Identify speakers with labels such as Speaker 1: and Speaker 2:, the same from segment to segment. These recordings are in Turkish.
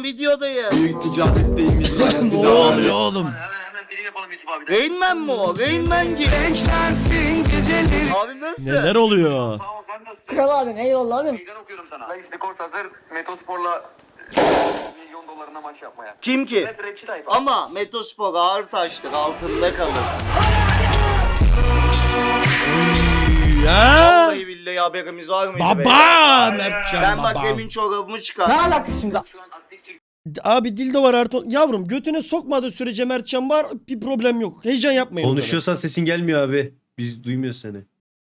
Speaker 1: videodayım.
Speaker 2: Büyük ticaretteyim yıllar.
Speaker 3: Ne oluyor oğlum?
Speaker 4: Hemen birim yapalım Yusuf abi.
Speaker 1: Rain Man mi o? Rain Man gibi. Abi nasıl?
Speaker 3: Neler oluyor?
Speaker 4: Sağ ol, sen nasılsın?
Speaker 5: Kral abim eyvallah abim.
Speaker 4: Meydan okuyorum sana. Dayı Skors hazır. Metospor'la milyon dolarına maç yapmaya.
Speaker 1: Kim ki?
Speaker 4: Hep rapçi tayfa.
Speaker 1: Ama Metospor ağır taştır, altında kalırsın.
Speaker 3: Ya.
Speaker 1: Vallahi billahi haberimiz var mıydı?
Speaker 3: Baba
Speaker 1: beyler?
Speaker 3: Mertcan
Speaker 1: Ben
Speaker 3: baba.
Speaker 1: bak demin çorabımı
Speaker 5: Ne
Speaker 1: çıkar.
Speaker 5: alaka şimdi?
Speaker 4: Şu an aktif çık.
Speaker 3: Abi dildo var Ertuğ. Yavrum götüne sokmadığı sürece Mertcan var, bir problem yok. Heyecan yapmayın.
Speaker 6: Konuşuyorsan sesin gelmiyor abi. Biz duymuyoruz seni.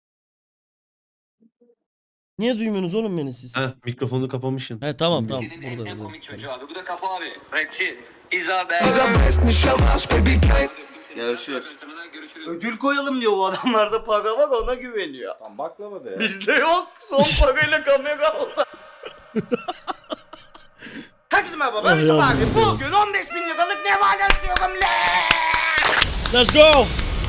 Speaker 3: Niye duymuyorsunuz oğlum beni siz?
Speaker 6: Heh, mikrofonu kapamışsın.
Speaker 3: He tamam tamam.
Speaker 4: Ülkenin
Speaker 3: Burada
Speaker 4: en
Speaker 3: burada.
Speaker 4: komik çocuğu abi. Bu da Kafa abi. Rapçi. Isabel.
Speaker 1: Görüşürüz. Ödül koyalım diyor, bu adamlarda para var, ona güveniyor.
Speaker 2: Tam baklava da ya.
Speaker 1: Bizde yok. Son parayla kamera aldı. Herkese merhaba, ben
Speaker 3: Ay
Speaker 1: Yusuf
Speaker 3: yavrum.
Speaker 1: abi. Bugün 15.000 liralık ne var açıyorum le.
Speaker 3: Let's go.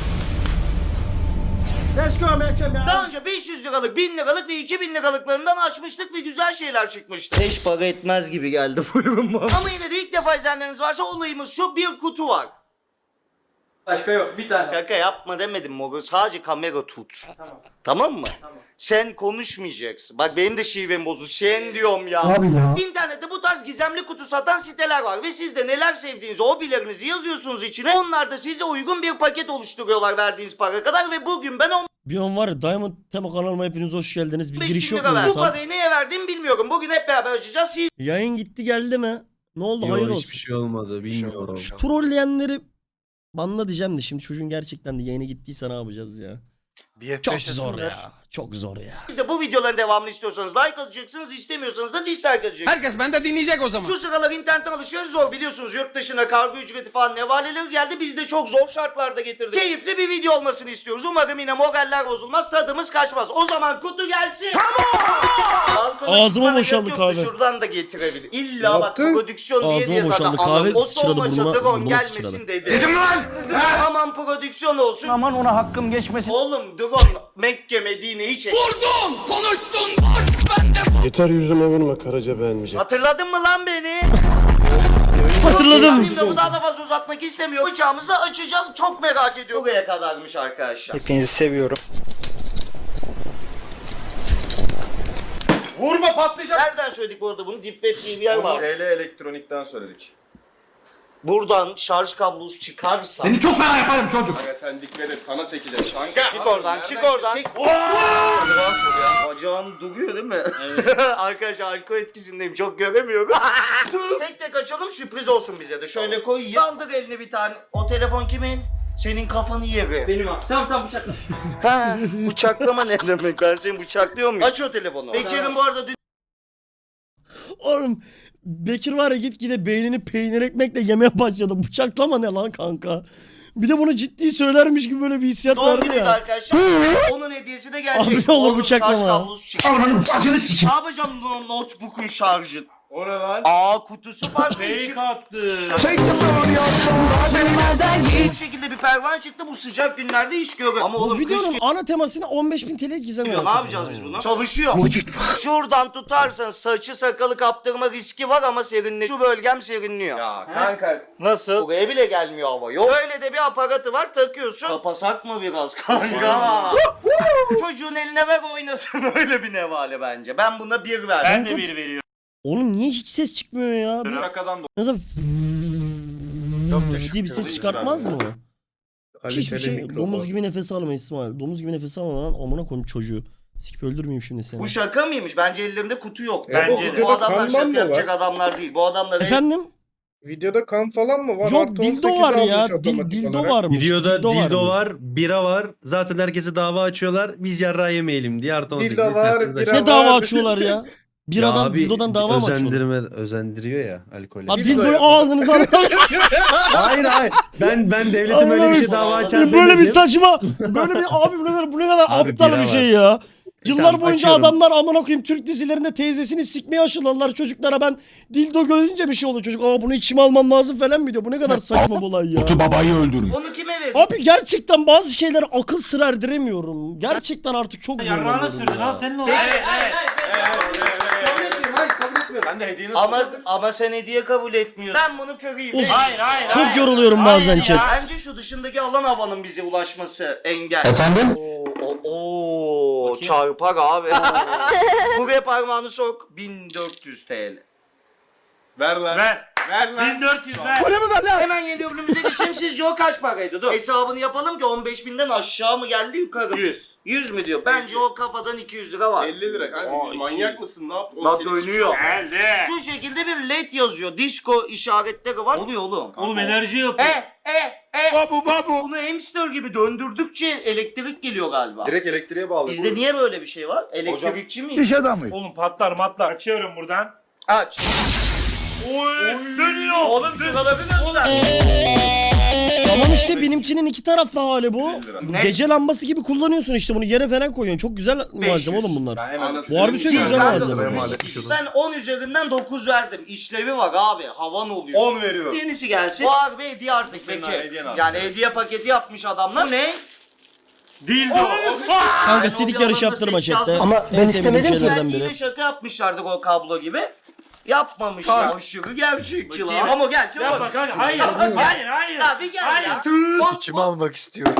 Speaker 5: Let's go Mertcan ya.
Speaker 1: Daha önce 500 liralık, 1000 liralık ve 2000 liralıklarından açmıştık ve güzel şeyler çıkmıştı. Hiç para etmez gibi geldi bu ürün bana. Ama yine de ilk defa izleyenleriniz varsa olayımız şu: bir kutu var. Başka yok, bir tane. Şaka yapma demedim Mogo, sadece kamera tut. Tamam mı? Tamam. Sen konuşmayacaksın. Bak benim de şivem bozuldu. Sen diyorum ya.
Speaker 5: Abi ya.
Speaker 1: İnternette bu tarz gizemli kutu satan siteler var ve siz de neler sevdiğinizi, hobilerinizi yazıyorsunuz içine. Onlar da size uygun bir paket oluşturuyorlar verdiğiniz para kadar ve bugün ben
Speaker 3: Bir an var ya, Diamond tema kanalıma hepiniz hoş geldiniz. Bir
Speaker 1: 15
Speaker 3: giriş
Speaker 1: bin
Speaker 3: yok
Speaker 1: lira
Speaker 3: mu?
Speaker 1: verdim. Bu
Speaker 3: Tam.
Speaker 1: parayı neye verdiğimi bilmiyorum. Bugün hep beraber açacağız. Siz
Speaker 3: Yayın gitti geldi mi? Ne oldu? Hayır
Speaker 6: Yok,
Speaker 3: olsun.
Speaker 6: hiçbir şey olmadı. Bilmiyorum.
Speaker 3: Şu trolleyenleri banla diyeceğim de şimdi çocuğun gerçekten de yayına gittiyse ne yapacağız ya? Çok zor ya. Çok zor ya.
Speaker 1: de bu videoların devamını istiyorsanız like atacaksınız, istemiyorsanız da dislike atacaksınız.
Speaker 2: Herkes bende dinleyecek o zaman.
Speaker 1: Şu sıralar internetten alışveriş zor biliyorsunuz. Yurt dışına kargo ücreti falan nevaleleri geldi. Biz de çok zor şartlarda getirdik. Keyifli bir video olmasını istiyoruz. Umarım yine moraller bozulmaz, tadımız kaçmaz. O zaman kutu gelsin. Balkona
Speaker 3: Ağzıma
Speaker 1: çıkmana
Speaker 3: boşaldı
Speaker 1: gerek yoktu,
Speaker 3: kahve.
Speaker 1: şuradan da getirebilir. İlla bak prodüksiyon diye
Speaker 3: Ağzıma
Speaker 1: diye
Speaker 3: boşaldı
Speaker 1: zaten
Speaker 3: kahve,
Speaker 1: anladım. O
Speaker 3: sıçradı
Speaker 1: solma
Speaker 3: burnuma,
Speaker 1: çatıron
Speaker 3: burnuma
Speaker 1: gelmesin
Speaker 3: sıçradı.
Speaker 1: dedi. Dedim lan. Aman prodüksiyon olsun.
Speaker 5: Aman ona hakkım geçmesin.
Speaker 1: Oğlum Dugon Mekke Medine'yi çek.
Speaker 7: Yeter yüzüme vurma Karaca beğenmeyecek.
Speaker 1: Hatırladın mı lan beni?
Speaker 3: Hatırladım.
Speaker 1: Benim de bu daha da fazla uzatmak istemiyorum. Bıçağımızı da açacağız. Çok merak ediyorum. Buraya kadarmış arkadaşlar.
Speaker 5: Hepinizi seviyorum.
Speaker 1: Vurma patlayacak. Nereden söyledik bu arada bunu? Dipweb diye bir yer var.
Speaker 2: TL elektronikten söyledik.
Speaker 1: Buradan şarj kablosu çıkarsa.
Speaker 2: çok fena yaparım çocuk. Aga sen dikkat et, sana sekeceğim. Kanka.
Speaker 1: Çık oradan, çık oradan. Bacağım duruyor değil mi? Evet. Arkadaşlar alkol etkisindeyim, çok göremiyorum. Tek tek açalım, sürpriz olsun bize de. Şöyle koy, kaldır elini bir tane. O telefon kimin? Senin kafanı yeri. Benim abi. Tamam bıçakla. Ha, bıçaklama ne demek? Ben seni bıçaklıyor muyum? Aç o telefonu. Bekir'in bu arada dün
Speaker 3: Oğlum Bekir var ya, gitgide beynini peynir ekmekle yemeye başladı. Bıçaklama ne lan kanka? Bir de bunu ciddi söylermiş gibi böyle bir hissiyat
Speaker 1: doğum
Speaker 3: vardı
Speaker 1: günüydü
Speaker 3: ya.
Speaker 1: arkadaşlar. Onun hediyesi de gelecek.
Speaker 3: Abi ne olur
Speaker 1: Oğlum,
Speaker 3: bıçaklama.
Speaker 1: şarj kablosu çıktı. Ne yapacağım bu notebook'un şarjı?
Speaker 2: O ne lan?
Speaker 1: Kutusu var. Fake attı. Bu şekilde bir pervane çıktı, bu sıcak günlerde iş görüyor. Ama
Speaker 3: Bu
Speaker 1: oğlum kış
Speaker 3: videonun ana temasına 15.000 TL gizem
Speaker 1: geliyor. Ne yapacağız biz bunu? Çalışıyor. Şuradan tutarsan saçı sakalı kaptırma riski var ama serinliyor. Şu bölgem serinliyor.
Speaker 2: Ya kanka.
Speaker 1: Nasıl? Buraya bile gelmiyor hava. Yok öyle de bir aparatı var, takıyorsun. Kapasak mı biraz kanka? Çocuğun eline ver oynasın, öyle bir nevale bence. Ben buna 1 verdim.
Speaker 3: Ben de 1 veriyorum. Oğlum niye hiç ses çıkmıyor ya?
Speaker 2: Şakadan da.
Speaker 3: Mesela
Speaker 2: Yok,
Speaker 3: diye bir ses çıkartmaz mı? Hiçbir
Speaker 6: Kaliteli
Speaker 3: şey.
Speaker 6: mikrofon.
Speaker 3: Domuz gibi nefes alma İsmail. Domuz gibi nefes alma lan. Amına koyayım çocuğu. Sikip öldürmeyeyim şimdi seni.
Speaker 1: Bu şaka mıymış? Bence ellerinde kutu yok.
Speaker 7: Bence
Speaker 1: Bu adamlar
Speaker 7: Kanman
Speaker 1: şaka
Speaker 7: mı
Speaker 1: yapacak
Speaker 7: var?
Speaker 1: adamlar değil. Bu adamlar
Speaker 3: Efendim?
Speaker 7: Videoda kan falan mı var?
Speaker 3: Yok
Speaker 7: Artı
Speaker 3: dildo
Speaker 7: 18
Speaker 3: var ya.
Speaker 7: almış otomatik
Speaker 3: Dildo
Speaker 7: olarak.
Speaker 3: varmış.
Speaker 6: Videoda dildo
Speaker 3: varmış.
Speaker 6: var, bira var. Zaten herkese dava açıyorlar. Biz yarrağı yemeyelim diye artı 18
Speaker 7: Dildo var,
Speaker 6: isterseniz
Speaker 7: bira
Speaker 6: açın.
Speaker 3: Ne dava
Speaker 7: var.
Speaker 3: açıyorlar ya? Bir
Speaker 6: Ya
Speaker 3: adam
Speaker 6: abi,
Speaker 3: dildodan dava mı açıyorlar?
Speaker 6: özendiriyor ya alkolü.
Speaker 3: Ha dildoyu ağzınıza alın.
Speaker 6: hayır. Ben devletim öyle bir şey dava açar
Speaker 3: Böyle bir
Speaker 6: demedim.
Speaker 3: saçma. Böyle bir abi bu ne kadar
Speaker 6: Abi
Speaker 3: aptal
Speaker 6: bira
Speaker 3: bir şey
Speaker 6: var.
Speaker 3: ya. Yıllar
Speaker 6: Tamam,
Speaker 3: boyunca
Speaker 6: açıyorum.
Speaker 3: adamlar amına koyayım Türk dizilerinde teyzesini sikmeye aşıladılar çocuklara. Ben dildo görünce bir şey oluyor çocuk. Bunu içime almam lazım falan mı diyor. Bu ne kadar saçma bir olay ya.
Speaker 1: Onu kime verir?
Speaker 3: Abi gerçekten bazı şeyler akıl sır erdiremiyorum. Gerçekten artık çok zor.
Speaker 8: Yarrağına sürdün ha senin o.
Speaker 2: Kabul etmiyorum, hayır kabul etmiyorum. kır. Sen de hediyeni
Speaker 1: Ama sen hediye kabul etmiyorsun. Ben bunu kırayım.
Speaker 3: Uf.
Speaker 1: Hayır.
Speaker 3: Çok yoruluyorum bazen chat.
Speaker 1: Bence şu dışındaki alan havanın bize ulaşması engel. Efendim? Oo, çarpar abi. Buraya parmağını sok. 1400 TL.
Speaker 2: Ver lan. Ver lan.
Speaker 5: 1400 ver.
Speaker 1: Hemen yeni ürünümüze geçelim. Sizce o kaç paraydı? Dur. Hesabını yapalım ki 15.000'den aşağı mı geldi yukarı? 100. 100 mü diyor? Bence o kafadan 200 lira var.
Speaker 2: 50 lira kanka. Manyak mısın? Ne yaptın?
Speaker 1: Bak dönüyor.
Speaker 5: Geldi.
Speaker 1: Şu şekilde bir led yazıyor. Disco işaretleri var. Oluyor oğlum.
Speaker 5: Oğlum enerji yapıyor.
Speaker 1: Babu. Bunu hamster gibi döndürdükçe elektrik geliyor galiba.
Speaker 2: Direkt elektriğe bağlı.
Speaker 1: Bizde niye böyle bir şey var? Elektrikçi miyiz?
Speaker 5: Oğlum patlar matlar. Açıyorum buradan.
Speaker 1: Aç.
Speaker 5: Dönüyor.
Speaker 1: Oğlum sıraları göster.
Speaker 3: Tamam işte benimkinin iki taraflı hali bu.
Speaker 2: 50 lira.
Speaker 3: Bu
Speaker 1: Ne?
Speaker 3: gece lambası gibi kullanıyorsun işte bunu yere falan koyuyorsun. Çok güzel malzeme oğlum bunlar.
Speaker 2: Ben hemen
Speaker 3: Bu harbi söylüyorum, güzel malzeme.
Speaker 1: Ben 10 üzerinden 9 verdim. İşlevi var abi. Havan oluyor.
Speaker 2: 10 veriyorum.
Speaker 1: Yenisi gelsin. Bu harbi hediye artık
Speaker 2: senin
Speaker 1: peki.
Speaker 2: hediyen abi.
Speaker 1: Yani hediye paketi yapmış adamlar. Bu ne?
Speaker 5: Dildo.
Speaker 3: Kanka
Speaker 1: Yani
Speaker 3: sidik
Speaker 1: o
Speaker 3: yarışı
Speaker 1: bir
Speaker 3: yaptırma
Speaker 1: alanda seç
Speaker 3: chatte.
Speaker 1: yazdım.
Speaker 5: Ama
Speaker 3: En
Speaker 5: ben
Speaker 3: sevdiğim
Speaker 5: istemedim ki.
Speaker 3: şeylerden
Speaker 1: Belki
Speaker 3: biri.
Speaker 1: de şaka yapmışlardık o kablo gibi. Yapmamışlar. Aşırı gerçekçi lan.
Speaker 5: Bakayım.
Speaker 1: Ama gel çabuk.
Speaker 5: Yapma kanka. Hayır. Hayır.
Speaker 1: Ya bir gel
Speaker 5: Hayır.
Speaker 1: ya.
Speaker 8: İçime almak istiyorum.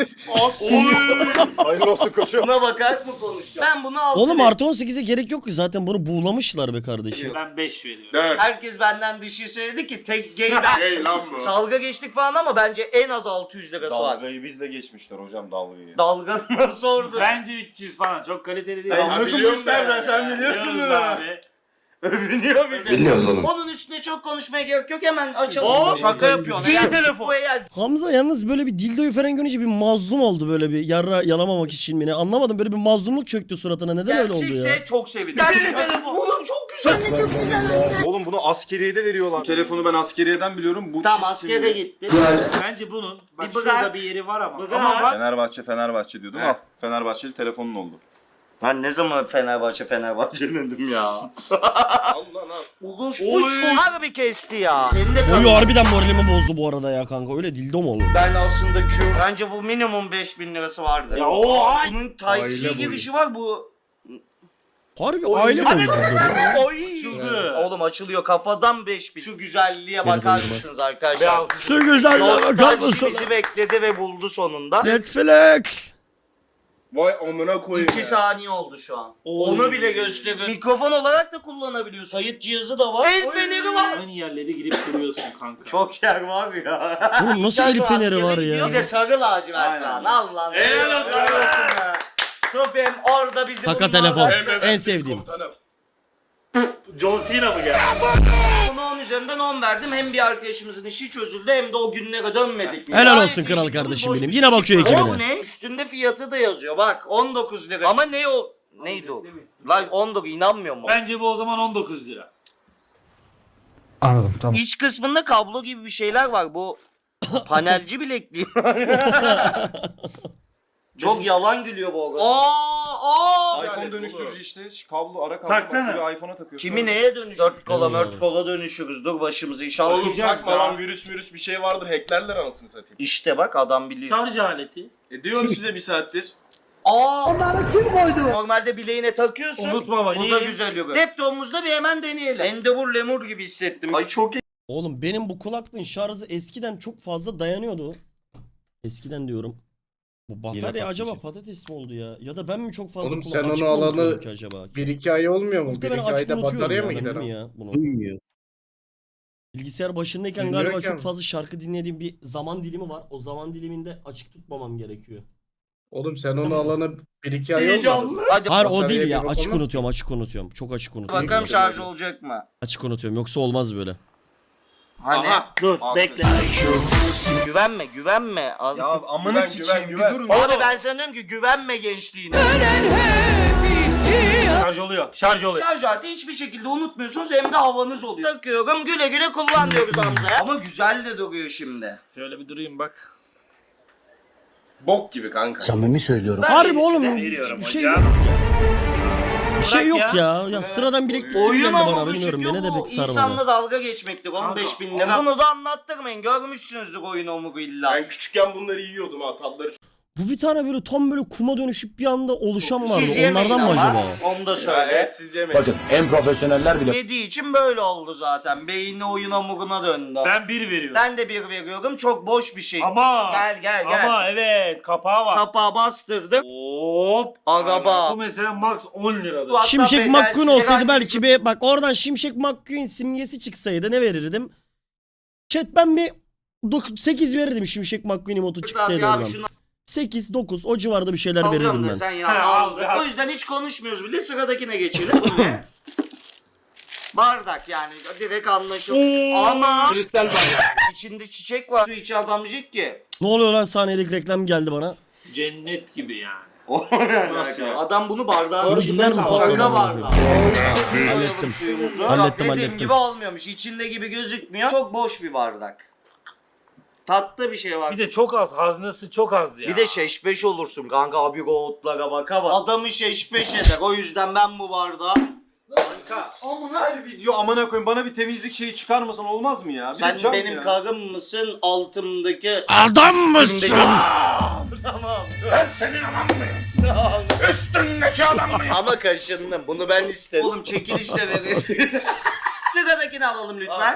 Speaker 2: Hayırlı olsun koçum.
Speaker 1: Buna bakarak mı konuşacağım? Ben bunu aldım.
Speaker 3: Oğlum artı 18'e gerek yok ki zaten bunu buğulamışlar be kardeşim.
Speaker 5: Ben 5 veriyorum.
Speaker 2: 4.
Speaker 1: Herkes benden düşüyor söyledi ki tek gay ben.
Speaker 2: Hey lan bu.
Speaker 1: Dalga geçtik falan ama bence en az 600 lirası var.
Speaker 2: Dalgayı bizle geçmişler hocam dalgayı.
Speaker 1: Dalga nasıl orada?
Speaker 5: Bence 300 falan. Çok kaliteli değil.
Speaker 2: Hey,
Speaker 5: Ama
Speaker 2: nasıl
Speaker 5: biliyorum
Speaker 2: bu işlerden?
Speaker 5: ben.
Speaker 2: Sen biliyorsun
Speaker 5: Biliyoruz
Speaker 2: bunu.
Speaker 5: abi.
Speaker 1: Övünüyor bir de.
Speaker 8: Biliyoruz oğlum.
Speaker 1: Onun üstüne çok konuşmaya gerek yok hemen açalım. Şaka yapıyorsun.
Speaker 5: Bir
Speaker 1: Eğer
Speaker 5: telefon.
Speaker 1: Bu eğer
Speaker 3: Hamza yalnız böyle bir dildoyu falan görünce bir mazlum oldu böyle bir yalamamak için beni. Anlamadım böyle bir mazlumluk çöktü suratına. Neden öyle oldu ya?
Speaker 1: gerçekse çok sevinirim.
Speaker 5: Bir telefon.
Speaker 1: Oğlum çok güzel.
Speaker 2: Oğlum bunu askeriyede veriyorlar. Bu telefonu ben askeriyeden biliyorum. Bu
Speaker 1: Tamam
Speaker 2: çift simli.
Speaker 1: askere gitti.
Speaker 5: Bence bunun. Bak
Speaker 1: Bir bırak.
Speaker 5: şurada bir yeri var ama.
Speaker 1: Bırak.
Speaker 5: Ama bak.
Speaker 2: Fenerbahçe diyordum.
Speaker 5: He.
Speaker 2: Al. Fenerbahçeli telefonun oldu.
Speaker 1: Ben ne zaman Fenerbahçe dedim ya.
Speaker 2: Allah Allah.
Speaker 1: Ugus'u harbi kesti ya. Senin de
Speaker 3: Oyu
Speaker 1: kanın.
Speaker 3: harbiden moralimi bozdu bu arada ya kanka. Öyle dildo mu olur?
Speaker 1: Ben aslında bence bu minimum 5000 lirası vardır.
Speaker 5: Ya o ay.
Speaker 1: Bunun Type-C girişi var bu.
Speaker 3: Harbi aile boyu dildo.
Speaker 1: Oy.
Speaker 5: Açıldı.
Speaker 1: Oğlum açılıyor kafadan 5000. Şu güzelliğe bakar mısınız arkadaşlar?
Speaker 3: Şu güzelliğe bakar
Speaker 1: Nostalji
Speaker 3: mısın?
Speaker 1: bizi bekledi ve buldu sonunda.
Speaker 3: Netflix.
Speaker 2: Vay amına koyayım
Speaker 1: 2
Speaker 2: ya.
Speaker 1: saniye oldu şu an.
Speaker 5: Oy.
Speaker 1: Onu bile gösteriyor. Mikrofon olarak da kullanabiliyorsun. Kayıt cihazı da var. El feneri var.
Speaker 5: Aynı yerlere girip duruyorsun kanka.
Speaker 1: Çok yer var ya.
Speaker 3: Oğlum nasıl el feneri var ya?
Speaker 1: Bir de sarı lacivert
Speaker 2: Aynen.
Speaker 1: lan. Allah.
Speaker 5: Helal olsun.
Speaker 1: be. Trofeim orada bizim
Speaker 3: Kaka
Speaker 1: bunlardan-
Speaker 3: telefon. En sevdiğim.
Speaker 5: John Cena mı geldi?
Speaker 1: Ona 10 üzerinden 10 verdim. Hem bir arkadaşımızın işi çözüldü hem de o günlere dönmedik.
Speaker 3: Helal
Speaker 1: Gayet
Speaker 3: olsun
Speaker 1: iyi.
Speaker 3: kral
Speaker 1: Boş
Speaker 3: kardeşim
Speaker 1: bir
Speaker 3: benim.
Speaker 1: şey
Speaker 3: Yine bakıyor
Speaker 1: çıktı.
Speaker 3: ekibine.
Speaker 1: O ne? Üstünde fiyatı da yazıyor. Bak 19 lira. Ama ne o? Neydi o? Lan 19 inanmıyor mu?
Speaker 5: Bence bu o zaman 19 lira.
Speaker 8: Anladım tamam.
Speaker 1: İç kısmında kablo gibi bir şeyler var. Bu panelci bilekliği. Çok yalan gülüyor bu arada.
Speaker 2: iPhone dönüştürücü işte. Kablo ara kablo.
Speaker 5: Taksana.
Speaker 2: Bak, buraya iPhone'a takıyorsun.
Speaker 1: Kimi neye dönüşür? 4 kola mört kola dönüşürüz. Dur başımızı inşallah.
Speaker 2: Oğlum
Speaker 5: Bakacağız
Speaker 2: takma
Speaker 5: daha.
Speaker 2: lan virüs bir şey vardır. Hacklerler anasını satayım.
Speaker 1: İşte bak adam biliyor.
Speaker 5: Şarj aleti.
Speaker 2: Diyorum size bir saattir.
Speaker 1: Onları kim koydu? Normalde bileğine takıyorsun.
Speaker 5: Unutma bak.
Speaker 1: Bu da güzel yok. Laptopumuzda bir hemen deneyelim. Endeavor Lemur gibi hissettim. Ay çok iyi.
Speaker 3: Oğlum benim bu kulaklığın şarjı eskiden çok fazla dayanıyordu. Eskiden diyorum. Bu batarya acaba patates mi oldu ya? Ya da ben mi çok fazla
Speaker 7: Oğlum sen
Speaker 3: açık
Speaker 7: onu
Speaker 3: mı
Speaker 7: alalı
Speaker 3: unutuyorum ki acaba?
Speaker 7: 1-2 ay olmuyor mu?
Speaker 3: Muhtemelen
Speaker 7: 1-2
Speaker 3: açık
Speaker 7: ayda
Speaker 3: unutuyorum
Speaker 7: batarya
Speaker 3: ya
Speaker 7: mı
Speaker 3: ben,
Speaker 7: gider
Speaker 3: değil mi
Speaker 7: o?
Speaker 3: ya bunu?
Speaker 7: Duymuyor.
Speaker 3: Bilgisayar başındayken
Speaker 7: Bilmiyorum
Speaker 3: galiba
Speaker 7: ki
Speaker 3: çok
Speaker 7: ama.
Speaker 3: fazla şarkı dinlediğim bir zaman dilimi var. O zaman diliminde açık tutmamam gerekiyor.
Speaker 7: Oğlum sen onu alanı 1-2 ay olmadı.
Speaker 1: Heyecanlı. Hadi
Speaker 3: Hayır o
Speaker 7: Bataryaya
Speaker 3: değil ya.
Speaker 7: bir
Speaker 3: Açık
Speaker 7: bakalım.
Speaker 3: unutuyorum. Çok açık unutuyorum.
Speaker 1: bakalım şarj olacak mı?
Speaker 3: Açık unutuyorum. Yoksa olmaz böyle.
Speaker 1: Hani?
Speaker 2: Aha.
Speaker 5: Dur
Speaker 2: Al
Speaker 5: bekle.
Speaker 1: Güvenme. Al.
Speaker 2: Ya amına sikeyim bir durun.
Speaker 1: Abi ben sana diyorum ki güvenme gençliğine.
Speaker 5: Şarj oluyor. Şarj oluyor.
Speaker 1: Şarj aleti hiçbir şekilde unutmuyorsunuz hem de havanız oluyor. Takıyorum güle güle kullan diyoruz Hamza'ya. Ama güzel de duruyor şimdi.
Speaker 5: Şöyle bir durayım bak.
Speaker 2: Bok gibi kanka.
Speaker 8: Samimi söylüyorum.
Speaker 1: Ben
Speaker 3: Harbi
Speaker 1: yenisini
Speaker 3: oğlum
Speaker 5: Veriyorum
Speaker 3: bir şey
Speaker 5: hocam.
Speaker 3: yok ya. Bir şey yok
Speaker 5: Bırak
Speaker 3: ya. Ya sıradan bileklik
Speaker 1: Oyun
Speaker 3: geldi
Speaker 1: ama
Speaker 3: bana
Speaker 1: bu
Speaker 3: bilmiyorum.
Speaker 1: çıkıyor
Speaker 3: Beni de
Speaker 1: bu.
Speaker 3: pek sarmadı.
Speaker 1: İnsanla dalga geçmektir 15 bin lira. Bunu da anlattırmayın. Görmüşsünüzdür oyun omugu illa.
Speaker 2: Ben küçükken bunları yiyordum ha tatları.
Speaker 3: Bu bir tane böyle tam böyle kuma dönüşüp bir anda oluşan vardı.
Speaker 1: Siz yemeyin
Speaker 3: Onlardan mı
Speaker 1: ama.
Speaker 3: acaba?
Speaker 1: Onu da
Speaker 2: Ya
Speaker 1: söyle.
Speaker 2: evet siz yemeyin.
Speaker 8: Bakın en profesyoneller bile
Speaker 1: Yediği için böyle oldu zaten. Beyni oyun hamuruna döndü.
Speaker 5: Ben 1 veriyorum.
Speaker 1: Ben de 1 veriyorum. Çok boş bir şey.
Speaker 5: Ama.
Speaker 1: Gel.
Speaker 5: Ama evet kapağı var.
Speaker 1: Kapağı bastırdım.
Speaker 5: Hop.
Speaker 1: Araba.
Speaker 5: Bu mesela max 10 liradır.
Speaker 1: Bu hatta
Speaker 3: Şimşek
Speaker 1: bedelsiz
Speaker 3: McQueen olsaydı
Speaker 1: herhangi
Speaker 3: belki bir bak oradan Şimşek McQueen simgesi çıksaydı ne verirdim? Chat ben bir 8 verirdim Şimşek McQueen emotu
Speaker 1: bir
Speaker 3: çıksaydı
Speaker 1: kırtasiye abi
Speaker 3: oradan.
Speaker 1: şunu
Speaker 3: 8 9 o civarda bir şeyler
Speaker 1: alıyorum
Speaker 3: verirdim ben.
Speaker 1: desen ya.
Speaker 5: He,
Speaker 1: aldık.
Speaker 5: al.
Speaker 1: O yüzden hiç konuşmuyoruz bile, sıradakine geçelim. Bu ne? Bardak yani direkt anlaşılır. Ama
Speaker 5: Kristal var.
Speaker 1: içinde çiçek var. Su içi adamcık ki.
Speaker 3: Ne oluyor lan saniyedeki reklam geldi bana.
Speaker 5: Cennet gibi yani.
Speaker 1: Nasıl ya? Adam bunu bardağın
Speaker 3: Bunu
Speaker 1: içinde
Speaker 3: dinler misin?
Speaker 1: şaka
Speaker 3: Tamam,
Speaker 1: bardağı.
Speaker 3: Hallettim.
Speaker 1: Koyalım suyumuzu.
Speaker 3: Hallettim,
Speaker 1: Dediğim
Speaker 3: hallettim.
Speaker 1: gibi olmuyormuş. İçinde gibi gözükmüyor. Çok boş bir bardak. Tatlı bir şey var.
Speaker 5: Bir de çok az. Haznesi çok az ya.
Speaker 1: Bir de şeşbeş olursun kanka, abi goğutlara baka bak. Adamı şeşbeş eder. O yüzden ben bu bardağı... Kanka
Speaker 2: Her video amına koyayım bana bir temizlik şeyi çıkarmasan olmaz mı ya? Bir de
Speaker 1: sen
Speaker 2: cam
Speaker 1: benim
Speaker 2: ya.
Speaker 1: karım mısın, altımdaki...
Speaker 3: Adam mısın?
Speaker 1: Tamam. Ben senin adam mıyım? Üstündeki adam mıyım? Ama kaşındım. Bunu ben istedim. Oğlum çekilişle veririz. Sıradakini alalım lütfen.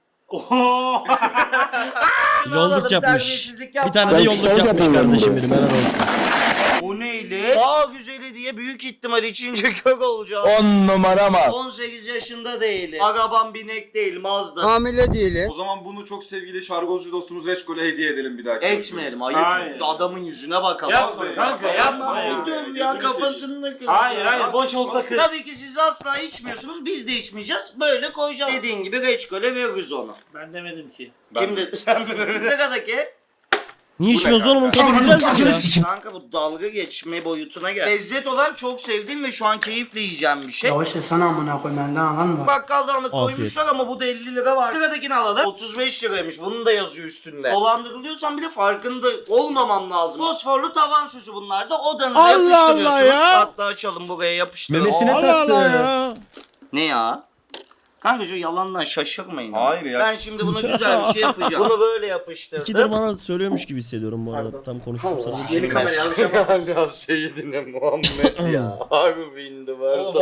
Speaker 3: Yolluk yapmış.
Speaker 1: Terbiyesizlik yapma.
Speaker 3: Bir tane de yolluk yapmış kardeşim benim helal olsun.
Speaker 1: O neyli? Daha güzeli diye büyük ihtimal içince kök olacağım.
Speaker 8: 10 numara mı?
Speaker 1: 18 yaşında değilim. Arabam binek değil, Mazda.
Speaker 8: Hamile değiliz.
Speaker 2: O zaman bunu çok sevgili şargozcu dostumuz Reçkol'e hediye edelim bir dahaki.
Speaker 1: Etmeyelim, ayıp.
Speaker 5: Hayır.
Speaker 1: Adamın yüzüne bakalım.
Speaker 5: Yapma kanka yapma ya.
Speaker 1: Dur ya, kafasını kır.
Speaker 5: Hayır boş olsa kır.
Speaker 1: Tabii ki siz asla içmiyorsunuz, biz de içmeyeceğiz. Böyle koyacağız. Dediğin gibi reçkole veririz onu.
Speaker 5: Ben demedim ki.
Speaker 1: Kim dedi? Sen mi? Sıradaki.
Speaker 3: Niye içmiyorsun oğlum? Onun tadı güzeldir ya.
Speaker 1: Kanka bu dalga geçme boyutuna gel. Lezzet olarak çok sevdiğim ve şu an keyifle yiyeceğim bir şey.
Speaker 9: Yavaş sana amına koy benden anladın
Speaker 1: Bakkaldan alıp
Speaker 3: Afiyet.
Speaker 1: koymuşlar ama bu da 50 lira var. Sıradakini alalım. 35 liraymış. Bunun da yazıyor üstünde. Dolandırılıyorsan bile farkında olmamam lazım. Fosforlu tavan süsü bunlar da odanıza
Speaker 3: Allah
Speaker 1: yapıştırıyorsunuz.
Speaker 3: Allah ya.
Speaker 1: Hatta açalım, buraya yapıştıralım.
Speaker 6: Memesine
Speaker 3: Allah
Speaker 6: taktı.
Speaker 3: Allah ya.
Speaker 1: Ne ya? Kanka şu yalandan şaşırmayın.
Speaker 2: Hayır ya.
Speaker 1: Ben şimdi buna güzel bir şey yapacağım. Bunu böyle yapıştırdım.
Speaker 3: İkidir bana söylüyormuş gibi hissediyorum bu arada. Tam konuştum sana. bir şey
Speaker 1: Yeni
Speaker 3: demez.
Speaker 1: kamera ya Seyyidine Muhammed ya. Harbi indi vardı.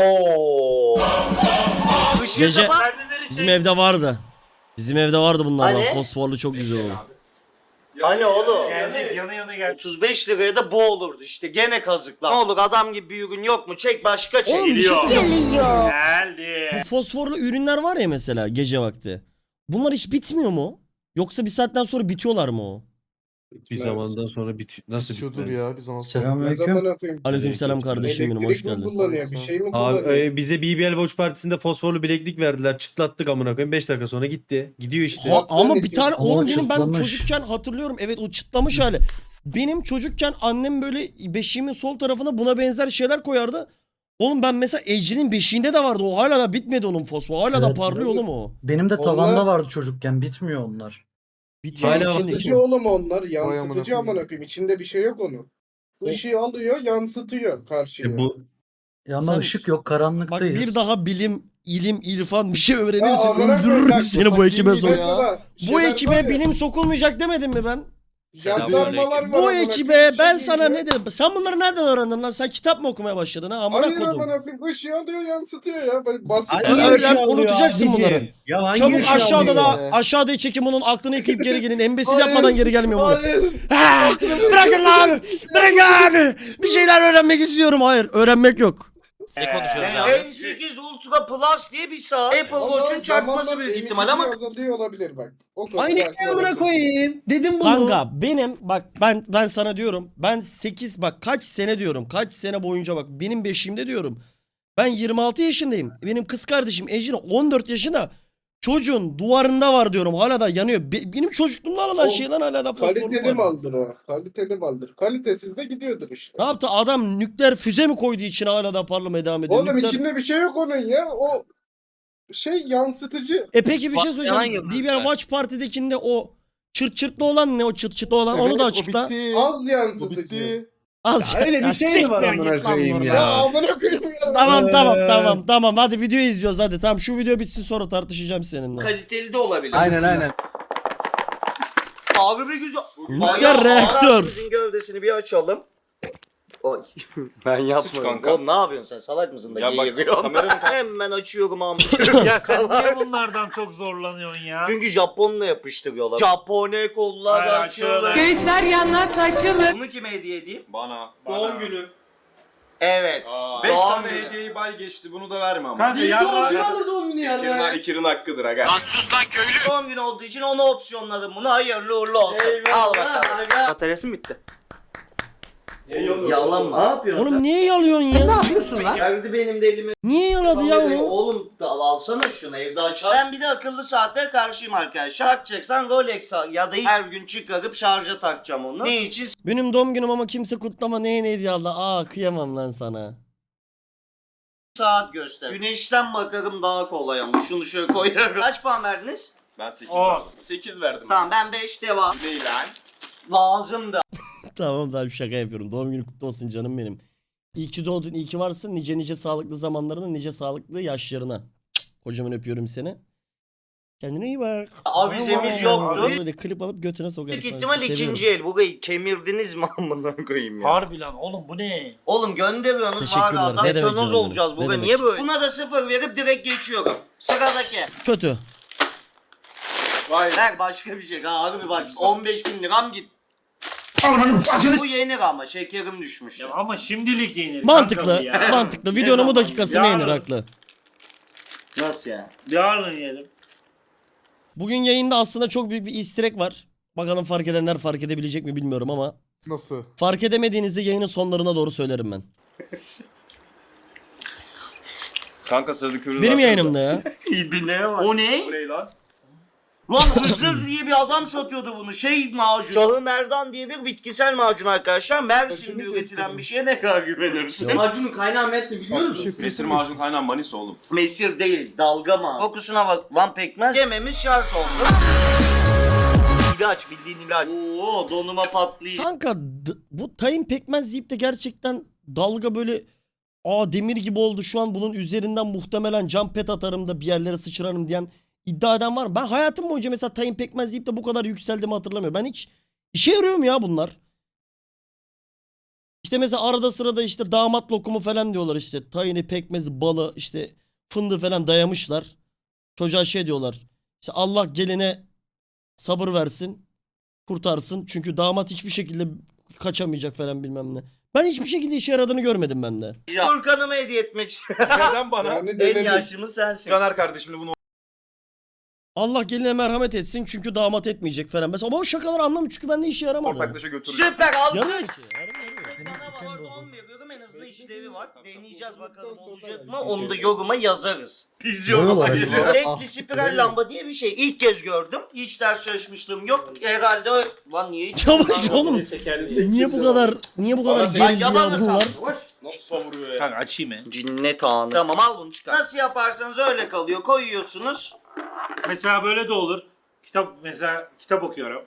Speaker 1: Işığı
Speaker 3: Gece-
Speaker 1: kapat.
Speaker 5: Perdeleri
Speaker 3: Bizim
Speaker 5: çek.
Speaker 3: evde vardı. Bizim evde vardı bunlardan.
Speaker 1: Hani?
Speaker 3: Fosforlu çok güzel oldu.
Speaker 1: Hani oğlum?
Speaker 5: Geldik yana gel.
Speaker 1: 35 liraya da bu olurdu işte. Gene kazıklar. Ne olur adam gibi bir ürün yok mu? Çek başka çek.
Speaker 3: Oğlum bir şey
Speaker 5: Geliyor.
Speaker 3: söyleyeceğim.
Speaker 5: Geldi.
Speaker 3: Bu fosforlu ürünler var ya mesela gece vakti. Bunlar hiç bitmiyor mu? Yoksa bir saatten sonra bitiyorlar mı o?
Speaker 6: Bir zamandan sonra nasıl
Speaker 2: Bitiyordur
Speaker 6: bitmez?
Speaker 2: ya bir zaman sonra.
Speaker 9: Selamünaleyküm.
Speaker 3: Aleykümselam kardeşim benim hoş
Speaker 7: Elektrik mi
Speaker 3: geldin.
Speaker 7: kullanıyor? Bir şey mi
Speaker 6: Abi
Speaker 7: kullanıyor?
Speaker 6: bize BBL Watch Partisi'nde fosforlu bileklik verdiler. Çıtlattık amına koyayım. 5 dakika sonra gitti. Gidiyor işte.
Speaker 3: Ama bir tane
Speaker 9: Ama
Speaker 3: oğlum benim ben
Speaker 9: çıtlamış.
Speaker 3: çocukken hatırlıyorum. Evet o çıtlamış hali. Benim çocukken annem böyle beşiğimin sol tarafına buna benzer şeyler koyardı. Oğlum ben mesela Ece'nin beşiğinde de vardı o. Hala da bitmedi onun fosfor. Hala da
Speaker 9: Evet.
Speaker 3: parlıyor oğlum o.
Speaker 9: Benim de
Speaker 7: Onlar-
Speaker 9: tavanda vardı çocukken bitmiyor onlar.
Speaker 3: Bitiyor
Speaker 6: Hala
Speaker 3: içindeki.
Speaker 7: Yansıtıcı oğlum onlar.
Speaker 2: amına
Speaker 7: Yansıtıcı
Speaker 2: koyayım.
Speaker 7: amına koyayım. İçinde bir şey yok onun. Işığı alıyor, yansıtıyor karşıya.
Speaker 6: Bu
Speaker 9: Ama
Speaker 3: Sen-
Speaker 9: ışık yok
Speaker 3: Bak
Speaker 9: karanlıktayız.
Speaker 3: bir daha bilim, ilim, irfan bir şey öğrenirsin.
Speaker 7: amına koyayım,
Speaker 3: Öldürürüm
Speaker 7: bak,
Speaker 3: seni bu ekibe sonra.
Speaker 7: Mesela
Speaker 3: Bu
Speaker 7: şeyler var
Speaker 3: ekibe
Speaker 7: ya,
Speaker 3: bilim sokulmayacak demedim mi ben?
Speaker 7: jandarmalar var
Speaker 3: Bu
Speaker 7: amına
Speaker 3: ekibe
Speaker 7: koyayım,
Speaker 3: ben
Speaker 7: şey
Speaker 3: sana
Speaker 7: geliyor.
Speaker 3: ne dedim? Sen bunları nereden öğrendin lan? Sen kitap mı okumaya başladın ha? Amına
Speaker 7: Hayır
Speaker 3: kodum.
Speaker 7: amına koyayım. Işığı alıyor, yansıtıyor ya. Böyle basit.
Speaker 6: Hangi
Speaker 3: Öyle
Speaker 6: ışığı alıyor
Speaker 3: unutacaksın
Speaker 6: abici?
Speaker 3: bunları.
Speaker 6: Ya hangi
Speaker 3: Çabuk
Speaker 6: ışığı
Speaker 3: aşağıda
Speaker 6: alıyor?
Speaker 3: da aşağıya çekin bunun aklını yıkayıp geri gelin. Embesil
Speaker 7: Hayır.
Speaker 3: yapmadan geri gelmiyor bunu.
Speaker 7: Hayır.
Speaker 3: Ha, bırakın lan! Bırakın! Bir şeyler öğrenmek istiyorum. Hayır, öğrenmek yok.
Speaker 5: Ne konuşuyoruz
Speaker 1: N8 Ultra Plus diye bir saat. Apple Watch'un çakması büyük ihtimal ama
Speaker 7: azalıyor olabilir bak. O kadar
Speaker 6: Aynı
Speaker 7: belki
Speaker 6: amına
Speaker 7: olabilir.
Speaker 6: koyayım. Dedim bunu.
Speaker 3: Kanka benim bak ben sana diyorum. Ben 8 bak kaç sene diyorum. Kaç sene boyunca bak benim beşiğimde diyorum. Ben 26 yaşındayım. Benim kız kardeşim Ejin 14 yaşında. Çocuğun duvarında var diyorum. Hala da yanıyor. Benim çocukluğumda alınan
Speaker 7: O
Speaker 3: şeyden hala da fosforlu
Speaker 7: Kaliteli
Speaker 3: var.
Speaker 7: maldır o. Kaliteli maldır. Kalitesiz de gidiyordur işte.
Speaker 3: Ne yaptı? Adam nükleer füze mi koydu içine hala da parlamaya devam ediyor?
Speaker 7: Oğlum
Speaker 3: Nükleer-
Speaker 7: içinde bir şey yok onun ya. O şey yansıtıcı.
Speaker 3: Peki bir şey söyleyeceğim. BBL Watch Party'dekinde o çırt çırtlı olan ne o çırt çıtlı olan onu da açıkla.
Speaker 7: Az yansıtıcı.
Speaker 3: Az.
Speaker 6: Öyle bir
Speaker 3: Ya
Speaker 6: şey mi var
Speaker 3: siktir
Speaker 6: amına
Speaker 3: git lan
Speaker 6: koyayım
Speaker 3: buradan.
Speaker 7: Ya amına koyayım ya.
Speaker 3: Tamam. Hadi videoyu izliyoruz hadi. Tamam şu video bitsin sonra tartışacağım seninle.
Speaker 1: kaliteli de olabilir.
Speaker 6: Aynen.
Speaker 1: Abi bir güzel.
Speaker 3: Nükleer reaktör.
Speaker 1: Bizim gövdesini bir açalım. Oy.
Speaker 2: Ben yapmadım. Kanka.
Speaker 1: Oğlum ne yapıyorsun sen? Salak mısın da
Speaker 2: Ya bak,
Speaker 1: geğiriyorsun?
Speaker 2: kameranın-
Speaker 1: Hemen açıyorum amına.
Speaker 5: Ya sen niye bunlardan çok zorlanıyorsun ya?
Speaker 1: Çünkü Japonla yapıştırıyorlar. Japone kollar
Speaker 5: Hayır,
Speaker 1: açıyorlar.
Speaker 5: açıyorlar.
Speaker 10: Göğüsler yanlar açılır.
Speaker 1: Bunu kime hediye edeyim?
Speaker 2: Bana.
Speaker 5: Doğum
Speaker 2: günü.
Speaker 1: Evet.
Speaker 2: 5
Speaker 1: Doğum
Speaker 2: tane
Speaker 1: günü.
Speaker 2: hediyeyi bay geçti. Bunu da verme ama.
Speaker 5: Kanka ya
Speaker 7: alır doğum günü ya.
Speaker 2: İkir'in hakkıdır aga.
Speaker 1: Doğum günü olduğu için onu opsiyonladım bunu. Hayırlı uğurlu olsun. Al bakalım. Bataryası bitti? Yalan mı? Ne yapıyorsun
Speaker 3: Oğlum niye yalıyorsun ya?
Speaker 1: sen? Geldi benim de elime.
Speaker 3: Niye yaladı ya onu?
Speaker 1: Oğlum alsana şunu evde açar. Ben bir de akıllı saatlere karşıyım arkadaşlar. Takacaksan Rolex al ya da her gün çıkarıp şarja takacağım onu. Ne için?
Speaker 3: Benim doğum günüm ama kimse kutlama neye hediye aldı? Aa kıyamam lan sana.
Speaker 1: Saat göster. Güneşten bakarım daha kolay ama şunu şöyle koyarım. Kaç puan verdiniz?
Speaker 2: Ben 8
Speaker 5: On.
Speaker 2: verdim. 8 verdim.
Speaker 1: Tamam ben 5 devam.
Speaker 2: Değil lan.
Speaker 1: Lazımdı.
Speaker 3: Tamam şaka yapıyorum. Doğum günü kutlu olsun canım benim. İyi ki doğdun, iyi ki varsın. Nice nice sağlıklı zamanlarına, nice sağlıklı yaşlarına. Kocaman öpüyorum seni. Kendine iyi bak.
Speaker 1: Avizemiz yoktu.
Speaker 3: Böyle klip alıp götüne sokarız.
Speaker 1: Büyük ihtimal ikinci el. Burayı kemirdiniz mi amına koyayım ya?
Speaker 5: Harbi lan oğlum bu ne?
Speaker 1: Oğlum gönderiyorsunuz var
Speaker 3: Teşekkürler.
Speaker 1: adam.
Speaker 3: Ne demek
Speaker 1: Betanoz
Speaker 3: canım
Speaker 1: olacağız
Speaker 3: benim? Ne
Speaker 1: bugün.
Speaker 3: demek?
Speaker 1: Niye böyle? Buna da 0 verip direkt geçiyorum. Sıradaki.
Speaker 3: Kötü.
Speaker 2: Vay.
Speaker 1: Ver başka bir şey. Ha harbi bak 15.000 liram git. Bu yenir ama şekerim düşmüş.
Speaker 5: Ya ama şimdilik yenir.
Speaker 3: Mantıklı.
Speaker 5: kanka bu ya.
Speaker 3: Mantıklı. Videonun bu
Speaker 1: zaman?
Speaker 3: dakikasına
Speaker 5: Yarın.
Speaker 3: yenir haklı.
Speaker 1: Nasıl ya?
Speaker 5: Yarın yiyelim.
Speaker 3: Bugün yayında aslında çok büyük bir easter egg var. Bakalım fark edenler fark edebilecek mi bilmiyorum ama.
Speaker 7: Nasıl?
Speaker 3: Fark edemediğinizde yayının sonlarına doğru söylerim ben.
Speaker 2: Kanka sıradaki ürünü
Speaker 3: Benim
Speaker 2: versene.
Speaker 3: yayınımda ya.
Speaker 1: İbine var. O ne?
Speaker 2: Bu ne lan?
Speaker 1: Lan Hızır diye bir adam satıyordu bunu. Şey macun. Şahı Merdan diye bir bitkisel macun arkadaşlar. Mersin'de üretilen bir şeye ne kadar güvenirsin? Macunun kaynağı Mersin biliyor musun?
Speaker 2: Mesir macun kaynağı Manisa oğlum.
Speaker 1: Mesir değil, dalga mı? Kokusuna bak lan pekmez. Yememiz şart oldu. İlaç, bildiğin ilaç. Oo, donuma patlayacak.
Speaker 3: Kanka bu tayin pekmez yiyip de gerçekten dalga böyle demir gibi oldu şu an bunun üzerinden muhtemelen cam pet atarım da bir yerlere sıçrarım diyen iddia eden var mı? Ben hayatım boyunca mesela tayin pekmez yiyip de bu kadar yükseldiğimi hatırlamıyorum. Ben hiç işe yarıyor mu ya bunlar? İşte mesela arada sırada işte damat lokumu falan diyorlar işte tayini pekmezi balı işte fındığı falan dayamışlar. Çocuğa şey diyorlar işte Allah geline sabır versin kurtarsın çünkü damat hiçbir şekilde kaçamayacak falan bilmem ne. Ben hiçbir şekilde işe yaradığını görmedim ben de.
Speaker 1: Furkan'ıma hediye etmek için.
Speaker 2: Neden bana?
Speaker 7: Yani
Speaker 1: En
Speaker 7: denedim.
Speaker 1: yaşlımız sensin.
Speaker 2: Caner kardeşimle bunu
Speaker 3: Allah geline merhamet etsin çünkü damat etmeyecek falan. Mesela ama o şakaları anlamıyorum çünkü bende işe yaramadı.
Speaker 2: ortaklaşa götürürüm.
Speaker 1: Süper aldık.
Speaker 3: Yarıyor ki.
Speaker 1: Bana var 10 veriyorum en azından işlevi var. Deneyeceğiz bakalım olacak mı onu da yoruma yazarız. Biz yoruma yazarız. Renkli spiral lamba diye bir şey. İlk kez gördüm. Hiç ders çalışmışlığım yok. Herhalde lan niye hiç...
Speaker 3: Çavuş oğlum. Niye bu kadar
Speaker 1: Ben
Speaker 3: geriliyor
Speaker 1: yabanı
Speaker 3: bunlar?
Speaker 1: sandım.
Speaker 2: Nasıl savuruyor ya?
Speaker 5: Kanka açayım mı?
Speaker 1: Cinnet anı. Tamam al bunu çıkar. Nasıl yaparsanız öyle kalıyor. Koyuyorsunuz.
Speaker 5: Mesela böyle de olur. Kitap okuyorum.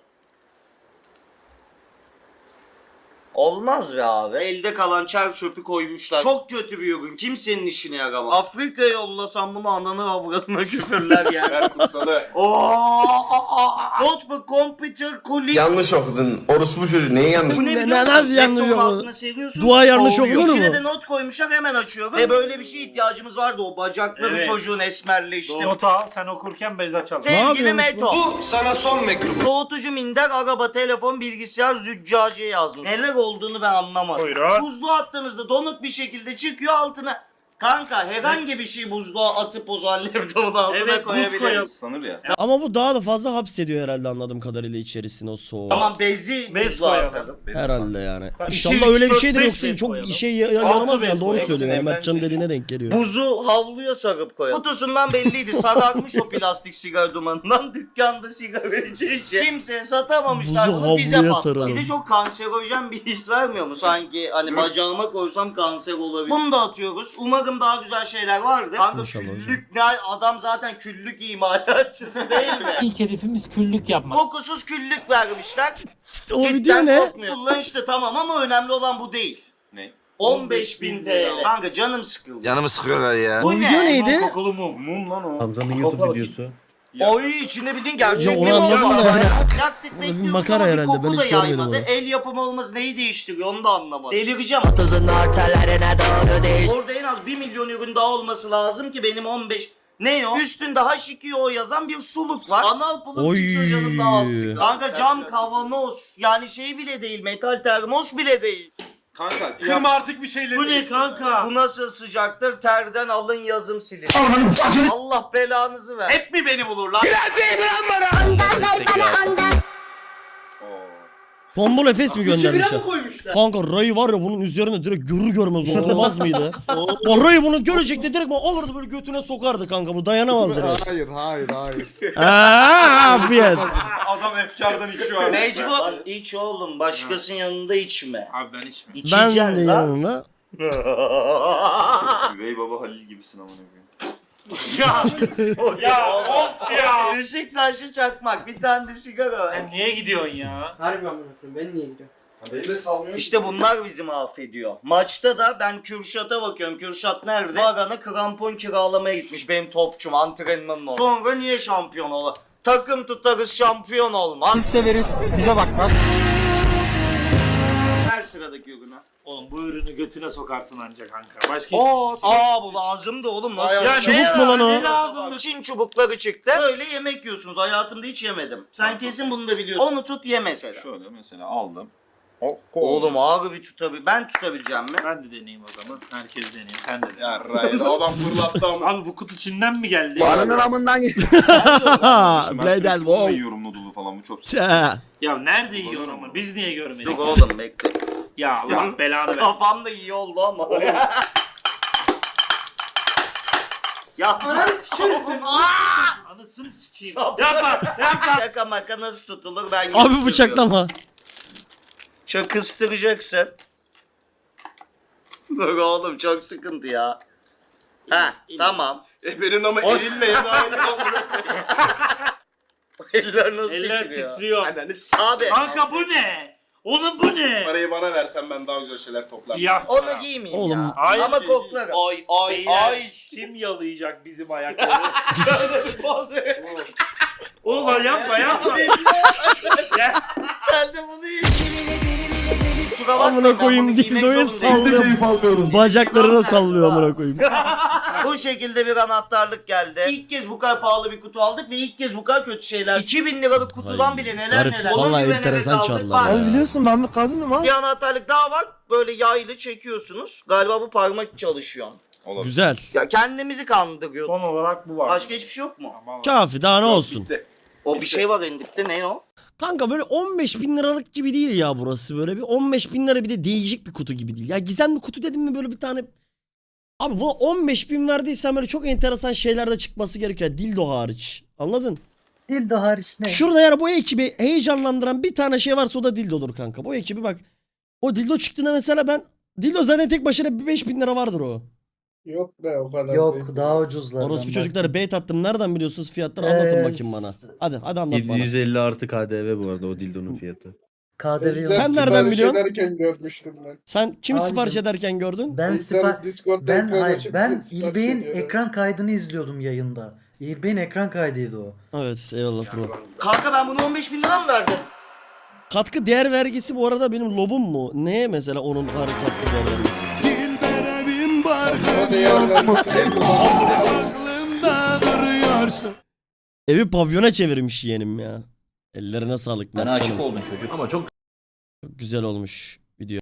Speaker 1: Olmaz be abi. Elde kalan çer çöpü koymuşlar. Çok kötü bir ürün. Kimsenin işine yaramaz. Afrika'ya yollasam bunu ananı avradına küfürler yani.
Speaker 2: Ver kursalı.
Speaker 1: Notebook, computer, kulik.
Speaker 8: Yanlış okudun. Orospu çocuğu neyi yanlış?
Speaker 1: Bu ne
Speaker 3: Ne-
Speaker 1: biliyor musun?
Speaker 3: nasıl yanlış
Speaker 1: Laptopun
Speaker 3: okudun?
Speaker 1: altına seriyorsun,
Speaker 3: Dua yanlış
Speaker 1: soğuyor.
Speaker 3: okunur mu?
Speaker 1: İçine de not koymuşlar hemen açıyorum. Ve böyle bir şeye ihtiyacımız vardı o bacakları
Speaker 5: Evet.
Speaker 1: çocuğun esmerleşti.
Speaker 5: Notu al sen okurken bez açalım.
Speaker 3: Ne
Speaker 1: Sevgili
Speaker 3: yapıyormuş
Speaker 1: Meto.
Speaker 8: Bu sana son mektubu.
Speaker 1: Soğutucu, minder, araba, telefon, bilgisayar, züccaciye yazmış. Neler olduğunu ben anlamadım.
Speaker 5: Buyurun.
Speaker 1: Buzluğa attığınızda donuk bir şekilde çıkıyor altına. Kanka herhangi bir şey buzluğa atıp o zaman laptopun altına
Speaker 5: Evet, buz
Speaker 1: koyabiliriz.
Speaker 5: koyalım.
Speaker 2: Islanır ya.
Speaker 3: Ama bu daha da fazla hapsediyor herhalde anladığım kadarıyla içerisine o soğuğu.
Speaker 1: Tamam bezi
Speaker 5: Bez
Speaker 1: buzluğa
Speaker 5: koyalım.
Speaker 1: atalım.
Speaker 3: Herhalde yani.
Speaker 5: Bak,
Speaker 3: İnşallah
Speaker 5: iki,
Speaker 3: öyle
Speaker 5: üç,
Speaker 3: bir
Speaker 5: dört,
Speaker 3: şeydir
Speaker 5: beş
Speaker 3: yoksa
Speaker 5: bez
Speaker 3: çok
Speaker 5: koyalım.
Speaker 3: işe yaramaz
Speaker 5: Altı
Speaker 3: yani
Speaker 5: bez
Speaker 3: doğru
Speaker 5: koyalım.
Speaker 3: söylüyor.
Speaker 2: Hepsini
Speaker 3: Mertcan'ın
Speaker 2: eğlenceli.
Speaker 3: dediğine denk geliyor.
Speaker 1: Buzu havluya sarıp koyalım. Kutusundan belliydi. Sararmış o plastik sigara dumanından. Dükkanda sigara içince kimseye satamamışlar.
Speaker 3: Buzu
Speaker 1: Bunu bize
Speaker 3: havluya
Speaker 1: patladı.
Speaker 3: saralım.
Speaker 1: Bir de çok kanserojen bir his vermiyor mu? Sanki hani bacağıma koysam kanser olabilir. Bunu da atıyoruz. Umarım daha güzel şeyler vardır. Kanka
Speaker 3: İnşallah
Speaker 1: küllük ne? Adam zaten küllük imalatçısı değil mi?
Speaker 5: İlk hedefimiz küllük yapmak.
Speaker 1: Kokusuz küllük vermişler.
Speaker 3: O video
Speaker 1: Cidden
Speaker 3: ne?
Speaker 1: kokmuyor. Kullanışlı tamam ama önemli olan bu değil.
Speaker 2: Ne?
Speaker 1: 15.000 TL. Kanka canım sıkıldı.
Speaker 8: Canımı sıkıyorlar ya.
Speaker 3: O video neydi?
Speaker 5: Kokulu mum. Mum lan o.
Speaker 6: Hamza'nın
Speaker 5: Kokla
Speaker 6: YouTube
Speaker 5: bakayım.
Speaker 6: videosu.
Speaker 1: Oy içinde bildiğin gerçek
Speaker 3: Ya
Speaker 1: bir
Speaker 3: onu anladım
Speaker 1: bomba.
Speaker 3: da.
Speaker 1: Yaktık
Speaker 3: Bu bir
Speaker 1: bekliyoruz
Speaker 3: makara
Speaker 1: ama bir
Speaker 3: herhalde, ben
Speaker 1: koku da
Speaker 3: hiç görmedim
Speaker 1: yaymadı.
Speaker 3: onu.
Speaker 1: El yapımı olması neyi değiştiriyor onu da anlamadım. Delireceğim. Orada en az 1 milyon ürün daha olması lazım ki benim 15... Ne o? Üstünde H2O yazan bir suluk var. Anal pulun
Speaker 3: Oy.
Speaker 1: çıkıyor canım daha az sıkı. Kanka cam kavanoz. Yani şey bile değil. Metal termos bile değil.
Speaker 2: Kanka kırma artık bir şeyleri.
Speaker 5: Bu ne kanka?
Speaker 1: Bu nasıl sıcaktır? Terden alın yazım silin. Allah belanızı ver. Hep mi beni bulur lan?
Speaker 3: Tombul Efes mi göndermişler?
Speaker 1: koymuşlar?
Speaker 3: Kanka Ray var ya bunun üzerine direkt görür görmez oturmaz mıydı? O Ray bunu görecekti direkt alırdı böyle götüne sokardı kanka bu dayanamazdı.
Speaker 7: Hayır.
Speaker 3: Afiyet.
Speaker 2: Adam efkardan içiyor abi.
Speaker 1: Mecbur. İç oğlum. Başkasının yanında içme.
Speaker 5: Abi ben içmiyorum.
Speaker 3: Ben
Speaker 1: İçeceksin
Speaker 3: de
Speaker 1: lan.
Speaker 3: yanına.
Speaker 2: Üvey baba Halil gibisin amına koyayım.
Speaker 5: Ya of ya.
Speaker 1: Beşiktaşlı çakmak. Bir tane de sigara.
Speaker 5: Sen niye gidiyorsun ya?
Speaker 9: Harbi amına koyayım ben niye gidiyorum?
Speaker 7: Beni de salmıyor.
Speaker 1: İşte bunlar bizi mahvediyor. Maçta da ben Kürşat'a bakıyorum. Kürşat nerede? Hagan'a krampon kiralamaya gitmiş. Benim topçum antrenmanın o. Sonra niye şampiyon olur? Takım tutarız şampiyon olmaz.
Speaker 9: Biz severiz bize bakmaz.
Speaker 1: Her sıradaki ürüne.
Speaker 5: Oğlum bu ürünü götüne sokarsın ancak kanka. Başka
Speaker 1: Bu lazımdı oğlum. Nasıl?
Speaker 5: Ya
Speaker 3: Çubuk
Speaker 5: ne
Speaker 3: mu lan o?
Speaker 5: Ne lazımdı?
Speaker 1: Çin çubukları çıktı. Böyle yemek yiyorsunuz. Hayatımda hiç yemedim. Sen kesin bunu da biliyorsun. Onu tut ye mesela.
Speaker 2: Şöyle mesela aldım.
Speaker 1: Oğlum ağır bir tutabil. Ben tutabileceğim mi?
Speaker 5: Ben de deneyeyim o zaman. Herkes deneyim. Sen de dene.
Speaker 2: Ya Ryan adam fırlattı ama.
Speaker 5: Abi bu kutu Çin'den mi geldi?
Speaker 3: Bladel wow.
Speaker 2: yiyorum noodle'u falan bu çok.
Speaker 5: Ya nerede yiyor ama? Biz niye görmedik?
Speaker 1: Sık oğlum bekle.
Speaker 5: Ya Allah belanı ver.
Speaker 1: Kafam da iyi oldu ama. Ya
Speaker 9: Ananı sikerim seni.
Speaker 5: Anasını sikeyim. Yapma.
Speaker 1: şaka maka nasıl tutulur ben
Speaker 3: Abi
Speaker 1: gösteriyorum.
Speaker 3: bıçaklama.
Speaker 1: Çok kıstıracaksın. Dur oğlum çok sıkıntı ya. Ha tamam.
Speaker 2: Benim ama elinle ya da
Speaker 1: Eller nasıl
Speaker 5: Eller
Speaker 1: titriyor?
Speaker 5: titriyor.
Speaker 1: Abi
Speaker 5: Kanka bu ne? Oğlum bu ne?
Speaker 2: Parayı bana versen ben daha güzel şeyler toplarım.
Speaker 5: Ya.
Speaker 1: onu giymeyeyim
Speaker 3: Oğlum.
Speaker 1: ya.
Speaker 5: Hayır.
Speaker 1: Ama koklarım.
Speaker 5: Beyler, kim yalayacak bizim ayakları? Oğlum yapma. Ya.
Speaker 1: Sen de bunu yiyin. Kusura bakmayın,
Speaker 3: Amına
Speaker 1: ben
Speaker 3: koyayım
Speaker 1: bunu giymek
Speaker 3: dildoya
Speaker 1: zorundayım.
Speaker 3: sallıyor. Bacaklarına sallıyor amına koyayım.
Speaker 1: Bu şekilde bir anahtarlık geldi. İlk kez bu kadar pahalı bir kutu aldık ve ilk kez bu kadar kötü şeyler. 2000 liralık kutudan
Speaker 3: Ay,
Speaker 1: bile neler
Speaker 3: garip.
Speaker 1: neler.
Speaker 3: Vallahi
Speaker 1: Ona güvenerek
Speaker 3: enteresan
Speaker 1: aldık.
Speaker 3: çaldılar
Speaker 1: Bak,
Speaker 3: ya.
Speaker 9: Biliyorsun ben bir kadınım ha.
Speaker 1: bir anahtarlık daha var. Böyle yaylı çekiyorsunuz. Galiba bu parmak çalışıyor.
Speaker 3: Güzel.
Speaker 1: Ya kendimizi kandırıyoruz.
Speaker 5: Son olarak bu var.
Speaker 1: Başka hiçbir şey yok mu?
Speaker 5: Ama
Speaker 3: Kafi daha ne olsun.
Speaker 2: Bitti.
Speaker 1: O bir şey var endikte ne o?
Speaker 3: Kanka böyle 15 bin liralık gibi değil ya burası böyle bir 15 bin lira bir de değişik bir kutu gibi değil. Ya gizemli kutu dedim mi böyle bir tane... Abi buna 15 bin verdiysen böyle çok enteresan şeyler de çıkması gerekiyor. Dildo hariç. Anladın?
Speaker 9: Dildo hariç ne?
Speaker 3: Şurada yani bu ekibi heyecanlandıran bir tane şey varsa o da dildodur kanka. Bu ekibi bak. O dildo çıktığında mesela ben... Dildo zaten tek başına bir 5 bin lira vardır o.
Speaker 7: Yok be o kadar değil.
Speaker 9: Yok daha ucuzlardan.
Speaker 3: Orospu
Speaker 9: bak.
Speaker 3: çocukları bait attım. Nereden biliyorsunuz fiyatları anlatın bakayım bana. Hadi anlat bana.
Speaker 6: 750 artı KDV bu arada o dildonun fiyatı.
Speaker 9: KDV yok.
Speaker 3: Sen nereden
Speaker 7: sipariş
Speaker 3: biliyorsun?
Speaker 7: ederken görmüştüm ben.
Speaker 3: Sen kim
Speaker 9: Abicim,
Speaker 3: sipariş ederken gördün?
Speaker 9: Ben
Speaker 7: İnsan Discord'da ekran
Speaker 9: hayır
Speaker 7: açıp
Speaker 9: ben
Speaker 7: sipariş
Speaker 9: İlbey'in
Speaker 7: ediyorum.
Speaker 9: ekran kaydını izliyordum yayında. İlbey'in ekran kaydıydı o.
Speaker 3: Evet eyvallah bro.
Speaker 1: Kanka ben bunu 15 bin lira mı verdim?
Speaker 3: Katkı değer vergisi bu arada benim lobum mu? Neye mesela onun katkı değer vergisi?
Speaker 7: O da yerlenmesi
Speaker 3: Evi pavyona çevirmiş yeğenim ya. Ellerine sağlık.
Speaker 11: Bana
Speaker 3: Mertcan'ım.
Speaker 11: aşık oldun çocuk. Ama çok
Speaker 3: Çok güzel olmuş.